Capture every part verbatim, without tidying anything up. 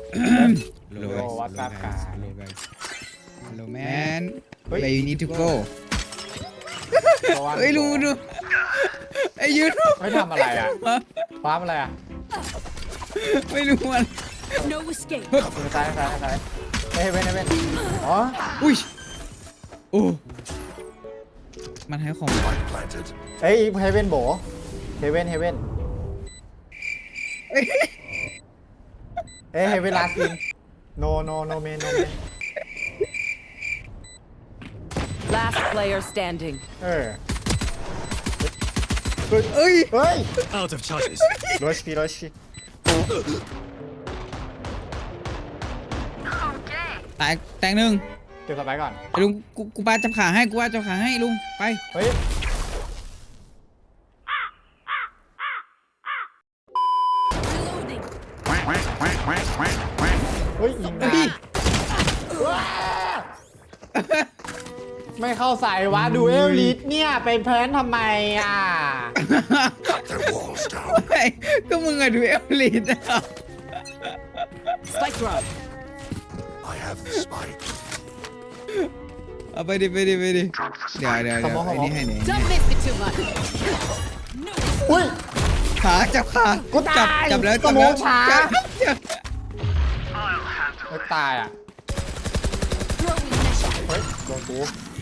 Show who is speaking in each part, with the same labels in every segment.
Speaker 1: Hello guys.
Speaker 2: what's
Speaker 1: Hello
Speaker 2: up,
Speaker 1: guys.
Speaker 2: guys?
Speaker 1: Hello guys. Hello man.
Speaker 2: เฮ้ย
Speaker 1: Where you need to go
Speaker 2: ตัววัน
Speaker 1: เฮ้ยดูดูไอ้ยืน
Speaker 2: ไม่ทำอะไรอ่ะคว้าอะไรอ่ะ
Speaker 1: ไม่รู้มัน
Speaker 3: No escape.
Speaker 2: มือซ้ายซ้ายซ้ายเฮ้ยเว้นเว้นอ๋อ
Speaker 1: อุ้ยโอ้มันให้ของ
Speaker 2: เฮ้ยเฮเว่นโบเฮเว่นเฮเว่นเอ้ยเฮเว่นลาซินโนโนโนเมนโนเมน
Speaker 3: Last player standing.
Speaker 2: เออ
Speaker 1: เอ้ย
Speaker 2: เฮ้ย
Speaker 4: Out of charges.
Speaker 2: โรชพีโรชพี
Speaker 1: แตกแตกหนึ่ง
Speaker 2: เก็บสไปก่อน
Speaker 1: ไอ้ลุงกูกูปาจับขาให้กูว่าจับขาให้ลุงไป
Speaker 2: เฮ้ย
Speaker 3: Reloading.
Speaker 2: เฮ้ยยิง
Speaker 1: เฮ้
Speaker 2: ได้
Speaker 1: ย
Speaker 2: ไม่เข้าใส่วะดูเอลลิทเนี่ยไปแพลนทำไมอ่ะ
Speaker 1: เฮ้ยก็มึงอะดูเอลลิทอะ
Speaker 3: Spike drop.
Speaker 4: I have the spike.
Speaker 1: เอาไปดิไปดิไปดิเดี๋ยวเดี๋ยวเดี๋ยวไอ้นี่ให้เนี่ย
Speaker 3: Don't miss it too much.
Speaker 2: อุ้ย
Speaker 1: ขาจับขา
Speaker 2: กูตาย
Speaker 1: จับจับแล้ว
Speaker 2: ส
Speaker 1: จับ
Speaker 2: โม
Speaker 1: แล้ว
Speaker 2: กช้า
Speaker 1: จับจับ
Speaker 2: ไม่ตายอ่ะ
Speaker 3: Throwing measure.
Speaker 2: เฮ้ยโดนกู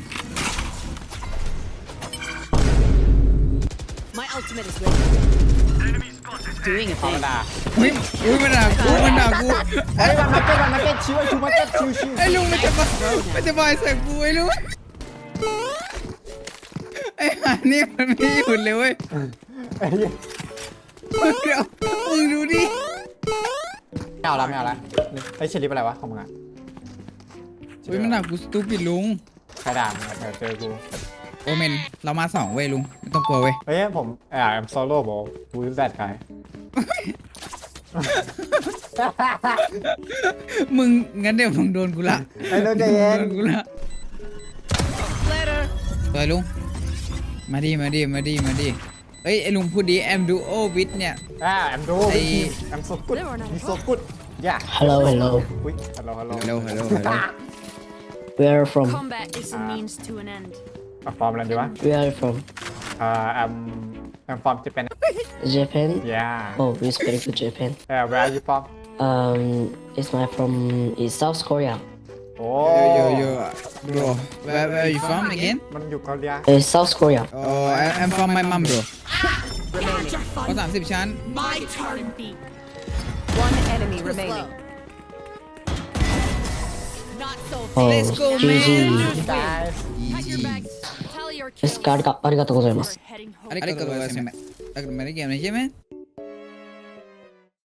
Speaker 3: My ultimate is ready. Doing a
Speaker 2: ธรรม
Speaker 3: thing.
Speaker 2: ดา
Speaker 1: เฮ้ยอุ้ยมันด่ากูมันด่ากู
Speaker 2: เฮ้ยมันมาเก็ตมันมาเก็ตชิวไอ้ชูมาเก็ตชิวชิว
Speaker 1: ไอ้ลุงมันจะมามันจะมาใส่กูไอ้ลุงไอ้ห่านี่มันไม่หยุดเลยเว้ย
Speaker 2: ไอ้เหี้ย
Speaker 1: เดี๋ยวมึงดูดิ
Speaker 2: ไม่เอาละไม่เอาละไอ้เชลิปอะไรวะของมึงอ่ะ
Speaker 1: อุ้ยมันด่ากูสตูปิดลุง
Speaker 2: ใครด่ามึงอะเดี๋ยวเจอกู
Speaker 1: โอเมนเรามาสองเว้ยลุงไม่ต้องกลัวเว้ย
Speaker 2: เฮ้ยผมเอ่อ I'm solo บอกกูแซดใคร
Speaker 1: มึงงั้นเดี๋ยวมึงโดนกูละ
Speaker 2: ไอ้โดนใจเย็น
Speaker 1: โดนกูละ
Speaker 3: Later.
Speaker 1: สวยลุงมาดิมาดิมาดิมาดิเอ้ยไอ้ลุงพูดดีแอมดูโอวิทเนี่ย
Speaker 2: อ่า I'm do
Speaker 1: ไอ้
Speaker 2: I'm so good I'm so good yeah
Speaker 5: Hello, hello.
Speaker 2: อุ้ย hello hello
Speaker 1: ฮัลโหลฮัลโหลฮัลโหล
Speaker 5: Where are you from?
Speaker 3: Combat is a means to an end.
Speaker 2: อ่ะฟอร์มอะไรดีวะ
Speaker 5: Where are you from?
Speaker 2: อ่า I'm I'm from Japan
Speaker 5: Japan?
Speaker 2: yeah
Speaker 5: Oh, respect to Japan.
Speaker 2: yeah where are you from
Speaker 5: Um, it's my from is South Korea.
Speaker 2: โอ้
Speaker 1: yo yo yo bro where where are you from again
Speaker 2: มันอยู่เกาหลี
Speaker 5: Uh, South Korea.
Speaker 1: oh I- I'm from my mom bro
Speaker 3: Remaining.
Speaker 1: ก็สามสิบชั้น
Speaker 3: My turn. One enemy remaining. Not so
Speaker 5: Oh,
Speaker 1: Let's go,
Speaker 5: G G.
Speaker 2: guys
Speaker 3: Pack your bags. Tally your
Speaker 5: Yes,
Speaker 3: kills.
Speaker 5: ありがありがとうございます。
Speaker 3: We're heading home.
Speaker 1: ありがとうございます。ありがとうございます。